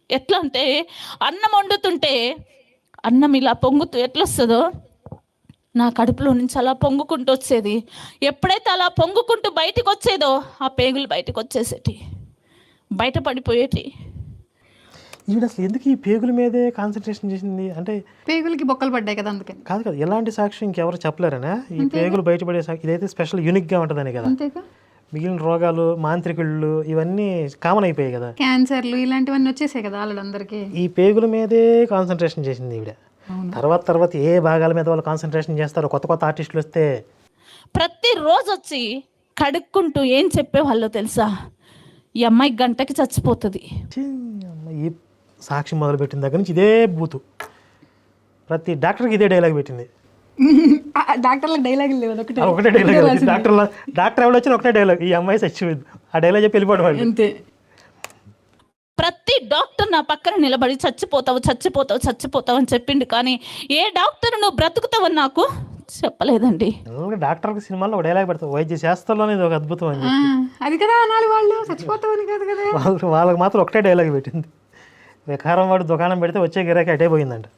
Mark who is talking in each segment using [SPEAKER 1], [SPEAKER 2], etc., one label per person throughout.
[SPEAKER 1] ఎట్లా అంటే అన్నం వండుతుంటే అన్నం ఇలా పొంగుతూ ఎట్లా వస్తుందో నా కడుపులో నుంచి అలా పొంగుకుంటూ వచ్చేది. ఎప్పుడైతే అలా పొంగుకుంటూ బయటకు వచ్చేదో ఆ పేగులు బయటకు వచ్చేసేటి, బయటపడిపోయేటి.
[SPEAKER 2] ఈవిడ అసలు ఎందుకు ఈ పేగుల మీదే కాన్సన్ట్రేషన్ చేసింది? అంటే
[SPEAKER 3] పేగులకి బొక్కలు పడ్డాయి కదా అందుకని.
[SPEAKER 2] కాదు కదా, ఎలాంటి సాక్ష్యం ఇంకెవరు చెప్పలేరనా? ఈ పేగులు బయటపడే సాక్షి ఇదైతే స్పెషల్ యూనిక్గా ఉంటుందని కదా.
[SPEAKER 3] అంతేగా,
[SPEAKER 2] మిగిలిన రోగాలు, మాంత్రికుళ్ళు ఇవన్నీ కామన్ అయిపోయాయి కదా.
[SPEAKER 3] క్యాన్సర్లు ఇలాంటివన్నీ వచ్చేసాయి కదా వాళ్ళందరికీ.
[SPEAKER 2] ఈ పేగుల మీదే కాన్సన్ట్రేషన్ చేసింది ఈవిడ. తర్వాత ఏ భాగాల మీద వాళ్ళు కాన్సన్ట్రేషన్ చేస్తారో కొత్త కొత్త ఆర్టిస్టులు వస్తే
[SPEAKER 1] ప్రతిరోజు వచ్చి కడుక్కుంటూ ఏం చెప్పేవాళ్ళో తెలుసా? ఈ అమ్మాయి గంటకి చచ్చిపోతుంది.
[SPEAKER 2] ఛీ, ఈ సాక్షి మొదలుపెట్టిన దగ్గర నుంచి ఇదే బూతు. ప్రతి డాక్టర్కి ఇదే డైలాగ్ పెట్టింది.
[SPEAKER 3] డాక్టర్లకు డైలాగులు లేవు, ఒకటే
[SPEAKER 2] ఒకటే డైలాగ్. డాక్టర్ ఎవరు వచ్చిన ఒకటే డైలాగ్, ఈ అమ్మాయి చచ్చిపోయింది. ఆ డైలాగ్ చెప్పి వెళ్ళిపోవడం వాళ్ళు.
[SPEAKER 3] అంతే.
[SPEAKER 1] ప్రతి డాక్టర్ నా పక్కన నిలబడి చచ్చిపోతావు చచ్చిపోతావు చచ్చిపోతావు అని చెప్పిండు, కానీ ఏ డాక్టర్ నువ్వు బ్రతుకుతావని నాకు చెప్పలేదండి.
[SPEAKER 2] డాక్టర్కి సినిమాలో ఒక డైలాగ్ పెడతావు, వైద్య శాస్త్రంలోనే ఇది ఒక అద్భుతం అని.
[SPEAKER 3] అది కదా అనాలి, వాళ్ళు చచ్చిపోతావని కాదు కదా.
[SPEAKER 2] వాళ్ళకి మాత్రం ఒకటే డైలాగ్ పెట్టింది. వికారం వాడు దుకాణం పెడితే వచ్చే గిరాకీ అటే పోయిందంట.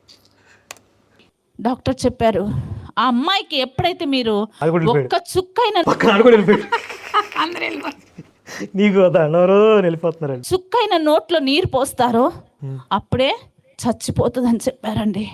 [SPEAKER 1] డాక్టర్ చెప్పారు, ఆ అమ్మాయికి ఎప్పుడైతే మీరు ఒక్క చుక్కైన
[SPEAKER 3] అందరూ వెళ్ళిపోతారు,
[SPEAKER 2] నీకు దండవరు వెళ్ళిపోతున్నారు.
[SPEAKER 1] చుక్కైన నోట్లో నీరు పోస్తారో అప్పుడే చచ్చిపోతుంది అని చెప్పారండి.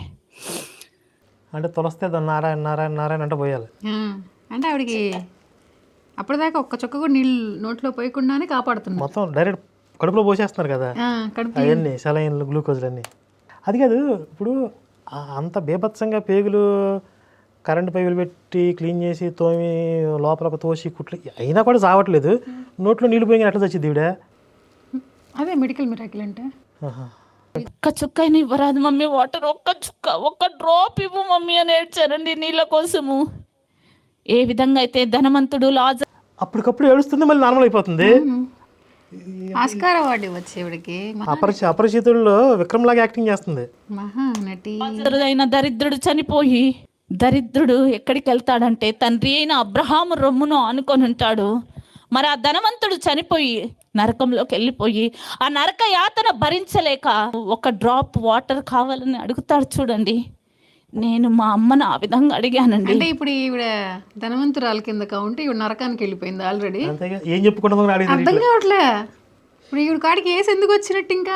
[SPEAKER 2] అంటే తులస్తే నారాయణ నారాయణ నారాయణ అంటే పోయాలి.
[SPEAKER 3] అంటే ఆవిడకి అప్పటిదాకా ఒక్క చుక్క కూడా నీళ్ళు నోట్లో పోయకుండానే కాపాడుతుంది.
[SPEAKER 2] మొత్తం డైరెక్ట్ కడుపులో పోసేస్తున్నారు కదా అవన్నీ, సెలైన్లు, గ్లూకోజ్లు అన్నీ. అది కాదు, ఇప్పుడు అంత బీభత్సంగా పేగులు కరెంటు పైపులు పెట్టి క్లీన్ చేసి తోమి లోపల తోసి కుట్లు అయినా కూడా చావట్లేదు. నోట్లో నీళ్ళు పోయి ఎట్లా చచ్చింది ఈవిడ?
[SPEAKER 3] అదే మెడికల్ మిరాకిల్ అంటే.
[SPEAKER 1] ఒక్క చుక్క అయినా ఇవ్వరాదు మమ్మీ, వాటర్ ఒక్క చుక్క, ఒక్క డ్రాప్ ఇవ్వు మమ్మీ అని ఏడ్చారండి నీళ్ళ కోసము. ఏ విధంగా అయితే ధనవంతుడు లాజర్
[SPEAKER 2] అప్పటికప్పుడు ఏడుస్తుంది, మళ్ళీ నార్మల్ అయిపోతుంది.
[SPEAKER 3] ఆస్కార్ అవార్డు ఇవ్వచ్చు ఈవిడకి.
[SPEAKER 2] అపరిచితుల్లో విక్రమ్ లాగా యాక్టింగ్ చేస్తుంది.
[SPEAKER 3] మహానటి.
[SPEAKER 1] అయిన దరిద్రుడు చనిపోయి, దరిద్రుడు ఎక్కడికి వెళ్తాడంటే తండ్రి అయిన అబ్రహాము రొమ్మును ఆనుకొని ఉంటాడు. మరి ఆ ధనవంతుడు చనిపోయి నరకంలోకి వెళ్ళిపోయి ఆ నరక యాతన భరించలేక ఒక డ్రాప్ వాటర్ కావాలని అడుగుతాడు చూడండి. నేను మా అమ్మను ఆ విధంగా అడిగానండి.
[SPEAKER 3] అంటే ఇప్పుడు ఈవిడ ధనవంతురాలు కింద కౌంటే ఈవిడ నరకానికి వెళ్ళిపోయింది ఆల్రెడీ.
[SPEAKER 2] ఏం చెప్పుకుంటుందో
[SPEAKER 3] అర్థం కావట్లే. ఇప్పుడు ఈవిడ కాడికి ఏసి ఎందుకు వచ్చినట్టు ఇంకా?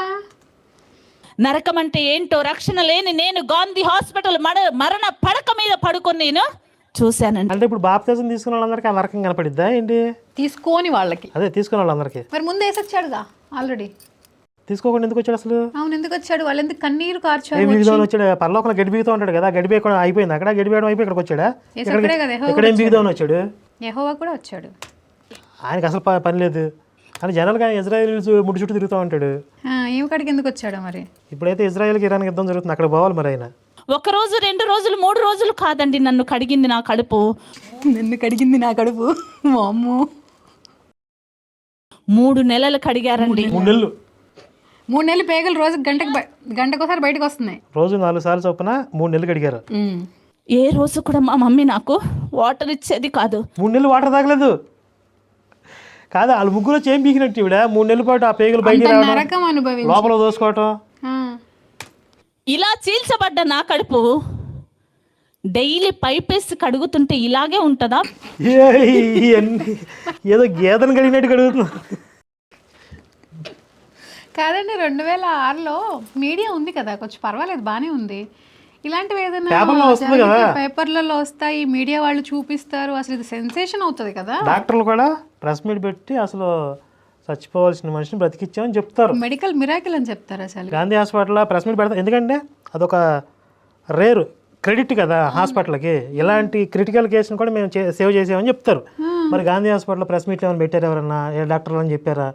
[SPEAKER 1] నరకం అంటే ఏంటో రక్షణ లేని నేను గాంధీ హాస్పిటల్ మరణ పడక మీద పడుకొని నేను చూశానండి.
[SPEAKER 2] అంటే ఇప్పుడు బాప్తిజం తీసుకున్న వాళ్ళందరికీ ఆ నరకం కనపడిద్దా ఏంటి?
[SPEAKER 3] తీసుకోని వాళ్ళకి.
[SPEAKER 2] అదే తీసుకున్న వాళ్ళందరికీ.
[SPEAKER 3] మరి ముందు వేసొచ్చాడుగా ఆల్రెడీ.
[SPEAKER 2] తీసుకోకుండా ఎందుకు వచ్చాడు అసలు?
[SPEAKER 3] అవును, ఎందుకు వచ్చాడు? వాళ్ళు ఎందుకు కన్నీరు కార్చారు?
[SPEAKER 2] బిగుదామని వచ్చాడు. పరలోకంలో గడి బిగుతూ ఉంటాడు కదా, గడి బిగడం అయిపోయింది అక్కడ, గడి బిగడం అయిపోయి ఇక్కడికి వచ్చాడా? ఇక్కడేం బిగుదామని వచ్చాడు?
[SPEAKER 3] యెహోవా కూడా వచ్చాడు.
[SPEAKER 2] ఆయనకి అసలు పని లేదు అని జనరల్గా ఇజ్రాయెల్స్ ముడి చుట్టూ తిరుగుతూ ఉంటాడు.
[SPEAKER 3] ఏమి కాడికి ఎందుకు వచ్చాడు మరి?
[SPEAKER 2] ఇప్పుడైతే ఇజ్రాయెల్కి ఇరాన్ యుద్ధం జరుగుతుంది, అక్కడ పోవాలి మరి ఆయన.
[SPEAKER 1] ఒక రోజు 2 రోజులు 3 రోజులు కాదండి నన్ను కడిగింది నా కడుపు.
[SPEAKER 3] నన్ను కడిగింది నా కడుపు. అమ్మో,
[SPEAKER 1] 3 నెలలు కడిగారండి.
[SPEAKER 3] 3 నెలలు పేగలు రోజు గంటకోసారి బయటకు వస్తున్నాయి.
[SPEAKER 2] రోజు 4 సార్లు చొప్పున 3 నెలలు కడిగారు.
[SPEAKER 1] ఏ రోజు కూడా మా మమ్మీ నాకు వాటర్ ఇచ్చేది కాదు.
[SPEAKER 2] 3 నెలలు వాటర్ తాగలేదు కాదు, వాళ్ళు ముగ్గురు ఏం పీకినట్టు ఈవిడ 3 నెలల పాటు ఆ పేగులు బయట
[SPEAKER 3] నరకం అనుభవి
[SPEAKER 2] లోపల దోసుకోవటం.
[SPEAKER 1] ఇలా చీల్చబడ్డ నా కడుపు డైలీ పైపేసి కడుగుతుంటే ఇలాగే ఉంటుందా?
[SPEAKER 2] ఏదో గేదెను కడిగినట్టు కడుగుతున్నా.
[SPEAKER 3] కాదండి, 2006లో మీడియా ఉంది కదా, కొంచెం పర్వాలేదు, బాగానే ఉంది. ఇలాంటివి ఏదైనా పేపర్లలో వస్తాయి, మీడియా వాళ్ళు చూపిస్తారు, అసలు ఇది సెన్సేషన్ అవుతుంది కదా. డాక్టర్లు
[SPEAKER 2] కూడా ప్రెస్ మీట్ పెట్టి అసలు చచ్చిపోవాల్సిన మనిషిని బ్రతికిచ్చామని చెప్తారు,
[SPEAKER 3] మెడికల్ మిరాకిల్ అని చెప్తారు. అసలు గాంధీ
[SPEAKER 2] హాస్పిటల్లో ప్రెస్ మీట్ పెడతారు, ఎందుకంటే అదొక రేరు క్రెడిట్ కదా హాస్పిటల్కి. ఇలాంటి క్రిటికల్ కేసును కూడా మేము సేవ్ చేసామని చెప్తారు. మరి గాంధీ హాస్పిటల్లో ప్రెస్ మీట్లు ఏమైనా పెట్టారు ఎవరన్నా? ఏ డాక్టర్లు అని చెప్పారా?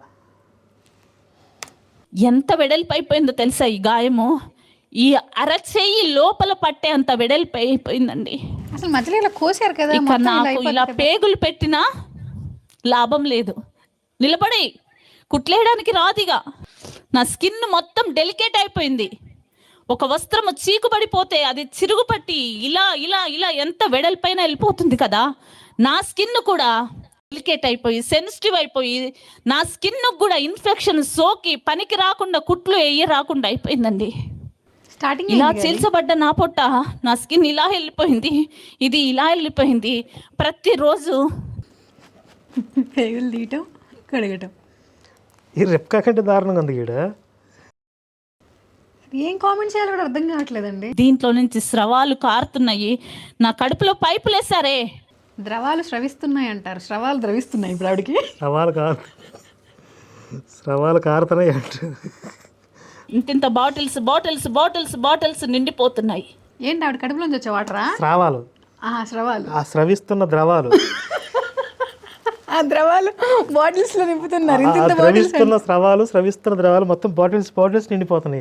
[SPEAKER 1] ఎంత వెడల్పు అయిపోయిందో తెలుసా ఈ గాయము? ఈ అరచేయి లోపల పట్టే అంత వెడల్పు అయిపోయిందండి.
[SPEAKER 3] అసలు మధ్యలో ఇలా కోసారు కదా.
[SPEAKER 1] ఇక నాకు ఇలా పేగులు పెట్టినా లాభం లేదు, నిలబడి కుట్లేయడానికి రాదిగా. నా స్కిన్ మొత్తం డెలికేట్ అయిపోయింది. ఒక వస్త్రము చీకుబడిపోతే అది చిరుగుపట్టి ఇలా ఇలా ఇలా ఎంత వెడల్పైన వెళ్ళిపోతుంది కదా, నా స్కిన్ కూడా డెలికేట్ అయిపోయి సెన్సిటివ్ అయిపోయి నా స్కిన్ కూడా ఇన్ఫెక్షన్ సోకి పనికి రాకుండా కుట్లు రాకుండా అయిపోయిందండి.
[SPEAKER 3] స్టార్టింగ్
[SPEAKER 1] ఇలా చీల్చబడ్డ నా పొట్ట, నా స్కిన్ ఇలా వెళ్ళిపోయింది, ఇది ఇలా వెళ్ళిపోయింది. ప్రతిరోజు
[SPEAKER 3] పేగులు తీయటం, కడగటం.
[SPEAKER 2] ఈ రెప్కా కంటే దారుణంగా ఉంది ఈడ.
[SPEAKER 3] ఏం కామెంట్ చేయాలో కూడా అర్థం కావట్లేదండి.
[SPEAKER 1] దీంట్లో నుంచి స్రవాలు కారుతున్నాయి. నా కడుపులో పైపులు వేసారే.
[SPEAKER 3] ద్రవాలు స్రవిస్తున్నాయి అంటారు, స్రవాలు ద్రవిస్తున్నాయి ఇప్పుడు ఆవిడకి.
[SPEAKER 2] స్రవాలు కారుతున్నాయి అంటారు.
[SPEAKER 1] ఇంత బాటిల్స్ బాటిల్స్ బాటిల్స్ బాటిల్స్ నిండిపోతున్నాయి.
[SPEAKER 3] ఏంటి ఆవిడ కడుపులోంచి వచ్చే వాటరా?
[SPEAKER 2] స్రావాలు.
[SPEAKER 3] స్రవాలు,
[SPEAKER 2] ఆ స్రవిస్తున్న ద్రవాలు.
[SPEAKER 3] ఆ ద్రవాలు బాటిల్స్ లో నింపుతున్నారు.
[SPEAKER 2] స్రవిస్తున్న స్రవాలు, స్రవిస్తున్న ద్రవాలు మొత్తం బాటిల్స్ బాటిల్స్ నిండిపోతున్నాయి.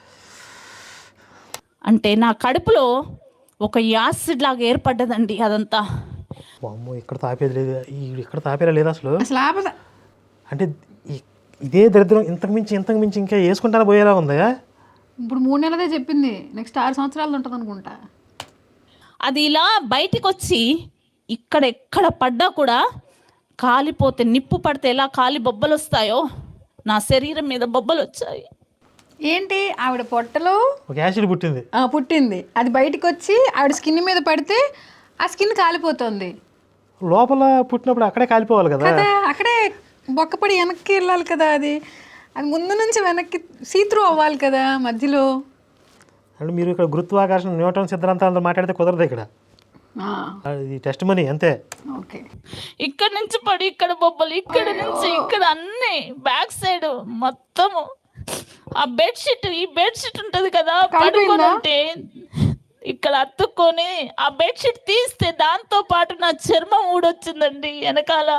[SPEAKER 1] అంటే నా కడుపులో ఒక యాసిడ్ లాగా ఏర్పడ్డదండి అదంతా.
[SPEAKER 2] అమ్మో, ఇక్కడ తాపేది లేదు, ఇక్కడ తాపేలా లేదు అసలు.
[SPEAKER 3] అసలు
[SPEAKER 2] అంటే ఇదే దరిద్రం ఇంతకు మించి ఇంకా వేసుకుంటానే పోయేలా ఉందా?
[SPEAKER 3] ఇప్పుడు 3 నెలలదే చెప్పింది, నెక్స్ట్ 6 సంవత్సరాలు ఉంటుంది అనుకుంటా.
[SPEAKER 1] అది ఇలా బయటికి వచ్చి ఎక్కడ పడ్డా కూడా కాలిపోతే, నిప్పు పడితే ఎలా కాలి బొబ్బలు వస్తాయో నా శరీరం మీద బొబ్బలు వచ్చాయి.
[SPEAKER 3] ఏంటి ఆవిడ పొట్టలో
[SPEAKER 2] ఒక యాసిడ్
[SPEAKER 3] పుట్టింది, అది బయటకు వచ్చి ఆవిడ స్కిన్ మీద పడితే ఆ స్కిన్ కాలిపోతుంది.
[SPEAKER 2] లోపల పుట్టినప్పుడు అక్కడే కాలిపోవాలి కదా,
[SPEAKER 3] అక్కడే బొక్కపడి వెనక్కి వెళ్ళాలి కదా. అది ముందు నుంచి వెనక్కి సీత్రూ అవ్వాలి కదా మధ్యలో.
[SPEAKER 2] అంటే మీరు ఇక్కడ గురుత్వాకర్షణ, న్యూటన్ సిద్ధాంతాలతో మాట్లాడితే కుదరదు ఇక్కడ. ఇది టెస్ట్ మనీ అంతే.
[SPEAKER 3] ఓకే,
[SPEAKER 1] ఇక్కడ నుంచి పడి ఇక్కడ బొబ్బలు, ఇక్కడ నుంచి ఇక్కడ అన్ని బ్యాక్ సైడ్ మొత్తము. ఆ బెడ్షీట్, ఈ బెడ్షీట్ ఉంటది కదా పడుకొని ఉంటే ఇక్కడ అతుక్కొని ఆ బెడ్షీట్ తీస్తే దాంతో పాటు నా చర్మం ఊడొచ్చిందండి వెనకాల.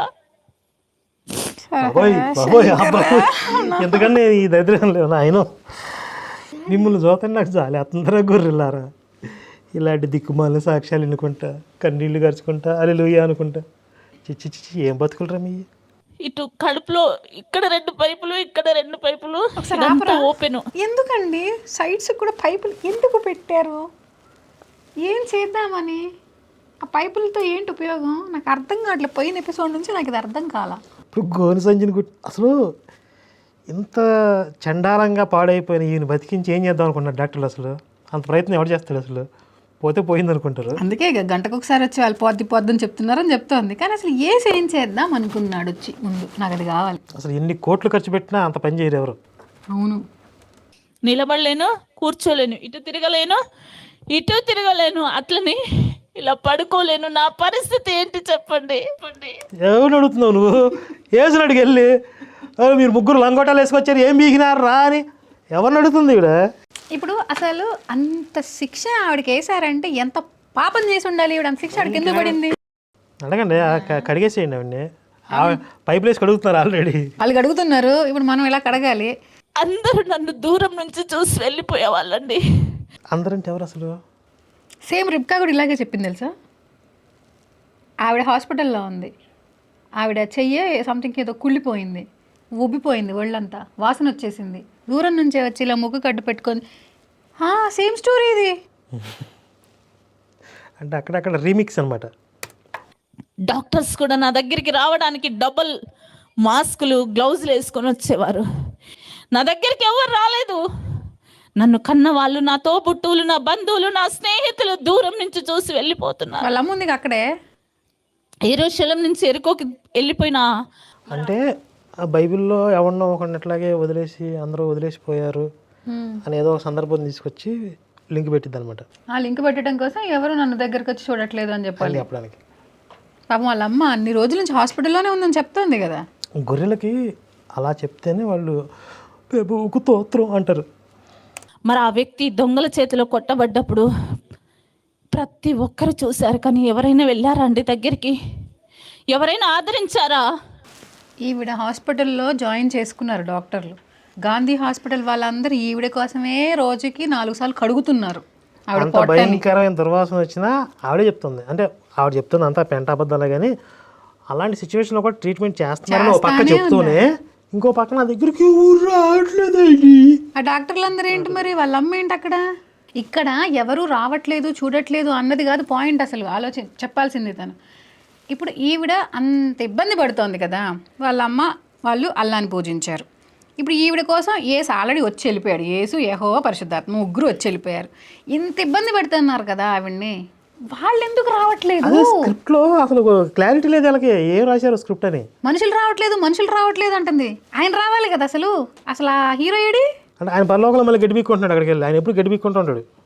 [SPEAKER 2] ఎందుకంటే ఈ దరిద్రం లేవు ఆయన మిమ్మల్ని చూతండి నాకు చాలే అందరూ గొర్రెలారా. ఇలాంటి దిక్కుమాల సాక్ష్యాలు ఎన్నుకుంటా, కన్నీళ్లు గరుచుకుంటా, హల్లెలూయా అనుకుంటా. చిచ్చి ఏం బతుకులరా మీ.
[SPEAKER 1] ఇటు కడుపులో ఇక్కడ 2 పైపులు, ఇక్కడ 2 పైపులు ఓపెన్.
[SPEAKER 3] ఎందుకండి సైడ్స్ కూడా పైపులు ఎందుకు పెట్టారు? ఏం చేద్దామని? ఆ పైపులతో ఏంటి ఉపయోగం నాకు అర్థం కావట్లేదు. పోయిన ఎపిసోడ్ నుంచి నాకు ఇది అర్థం కాల.
[SPEAKER 2] ఇప్పుడు గోను సంజని అసలు ఇంత చండాలంగా పాడైపోయిన ఈయన బతికించి ఏం చేద్దాం అనుకున్నారు డాక్టర్లు? అసలు అంత ప్రయత్నం ఎవరు చేస్తాడు? అసలు పోతే పోయింది అనుకుంటారు.
[SPEAKER 3] అందుకే గంటకు ఒకసారి వచ్చి వాళ్ళు పొద్దని చెప్తున్నారని చెప్తోంది. కానీ అసలు ఏం చేద్దాం అనుకున్నాడు వచ్చి ముందు? నాకు అది కావాలి.
[SPEAKER 2] అసలు ఎన్ని కోట్లు ఖర్చు పెట్టినా అంత పని చేయరు ఎవరు.
[SPEAKER 3] అవును,
[SPEAKER 1] నిలబడలేను, కూర్చోలేను, ఇటు తిరగలేను, అట్లని ఇలా పడుకోలేను. నా పరిస్థితి ఏంటి చెప్పండి?
[SPEAKER 2] ఎవరు అడుగుతున్నావు నువ్వు? వేసిన అడిగి వెళ్ళి మీరు ముగ్గురు లంగోటాలు వేసుకొచ్చారు, ఏం బీగినారు రా అని ఎవరిని అడుగుతుంది ఇక్కడ?
[SPEAKER 3] ఇప్పుడు అసలు అంత శిక్ష ఆవిడకి వేసారంటే ఎంత పాపం చేసి ఉండాలి? ఈవిడ అంత శిక్ష ఆవిడకి ఎందుకు పడింది?
[SPEAKER 2] అడగండి, కడిగేసేయండి అవన్నీ. పైప్ వేసి కడుగుతున్నారు ఆల్రెడీ.
[SPEAKER 3] వాళ్ళు కడుగుతున్నారు, ఇప్పుడు మనం ఇలా కడగాలి.
[SPEAKER 1] అందరూ నన్ను దూరం నుంచి చూసి వెళ్ళిపోయే వాళ్ళండి.
[SPEAKER 2] అందరంటే ఎవరు అసలు?
[SPEAKER 3] సేమ్ రిబ్కా కూడా ఇలాగే చెప్పింది తెలుసా. ఆవిడ హాస్పిటల్లో ఉంది, ఆవిడ చెయ్యి సంథింగ్ ఏదో కుళ్ళిపోయింది, ఉబ్బిపోయింది, ఒళ్ళంతా వాసన వచ్చేసింది. దూరం నుంచే వచ్చి ఇలా ముగ్గు కట్టు పెట్టుకొని సేమ్ స్టోరీ ఇది.
[SPEAKER 2] అంటే అక్కడక్కడ రీమిక్స్ అనమాట.
[SPEAKER 1] డాక్టర్స్ కూడా నా దగ్గరికి రావడానికి డబుల్ మాస్కులు, గ్లౌజులు వేసుకొని వచ్చేవారు. నా దగ్గరికి ఎవరు రాలేదు. నన్ను కన్న వాళ్ళు, నా తోబుట్టువులు, నా బంధువులు, నా స్నేహితులు దూరం నుంచి చూసి వెళ్ళిపోతున్నారు.
[SPEAKER 3] వాళ్ళ అమ్మ ఉంది అక్కడే.
[SPEAKER 1] యెరూషలేం నుంచి ఎరుకోకి వెళ్ళిపోయినా.
[SPEAKER 2] అంటే ఆ బైబిల్లో ఎవరినో ఒకరినట్లాగే వదిలేసి అందరూ వదిలేసిపోయారు అని ఏదో ఒక సందర్భం తీసుకొచ్చి లింక్ పెట్టిద్ది అనమాట.
[SPEAKER 3] ఆ లింక్ పెట్టడం కోసం ఎవరు నన్ను దగ్గరకు వచ్చి చూడట్లేదు అని చెప్పాలి
[SPEAKER 2] చెప్పడానికి.
[SPEAKER 3] పాపం వాళ్ళ అమ్మ అన్ని రోజుల నుంచి హాస్పిటల్లోనే ఉందని చెప్తోంది కదా.
[SPEAKER 2] గొర్రెలకి అలా చెప్తేనే వాళ్ళు తోత్రం అంటారు.
[SPEAKER 1] మరి ఆ వ్యక్తి దొంగల చేతిలో కొట్టబడ్డప్పుడు ప్రతి ఒక్కరు చూశారు, కానీ ఎవరైనా వెళ్ళారా అండి దగ్గరికి? ఎవరైనా ఆదరించారా?
[SPEAKER 3] ఈవిడ హాస్పిటల్లో జాయిన్ చేసుకున్నారు డాక్టర్లు. గాంధీ హాస్పిటల్ వాళ్ళందరూ ఈవిడ కోసమే రోజుకి 4 సార్లు కడుగుతున్నారు.
[SPEAKER 2] అంత భయంకరమైన దుర్వాసన వచ్చినా ఆవిడే చెప్తుంది. అంటే ఆవిడ చెప్తుంది అంతా పెంట అబద్ధాలే, కానీ అలాంటి సిచ్యువేషన్లో కూడా ట్రీట్మెంట్ చేస్తున్నారని ఒక పక్క చెప్తూనే ఇంకో పక్క నా దగ్గరికి రావట్లేదండి.
[SPEAKER 3] ఆ డాక్టర్లు అందరూ ఏంటి మరి, వాళ్ళ అమ్మ ఏంటి అక్కడ? ఇక్కడ ఎవరు రావట్లేదు చూడట్లేదు అన్నది కాదు పాయింట్. అసలు చెప్పాల్సింది తను ఇప్పుడు ఈవిడ అంత ఇబ్బంది పడుతోంది కదా, వాళ్ళ అమ్మ వాళ్ళు అల్లాని పూజించారు. ఇప్పుడు ఈవిడ కోసం యేసు ఆల్రెడీ వచ్చి వెళ్ళిపోయాడు, యేసు యెహోవా పరిశుద్ధాత్మ ముగ్గురు వచ్చి వెళ్ళిపోయారు. ఇంత ఇబ్బంది పెడుతున్నారు కదా ఆవిడ్ని, వాళ్ళు ఎందుకు రావట్లేదు?
[SPEAKER 2] స్క్రిప్ట్ లో అసలు క్లారిటీ లేదు వాళ్ళకి, ఏం రాశారు స్క్రిప్ట్ అని.
[SPEAKER 3] మనుషులు రావట్లేదు అంటుంది. ఆయన రావాలి కదా అసలు. ఆ హీరో ఏడి?
[SPEAKER 2] అంటే ఆయన పరలోకంలో మళ్ళీ గడ్డి పీక్కుంటున్నాడు అక్కడికి వెళ్ళి. ఆయన ఎప్పుడు గడ్డి పీక్కుంటూ ఉంటాడు.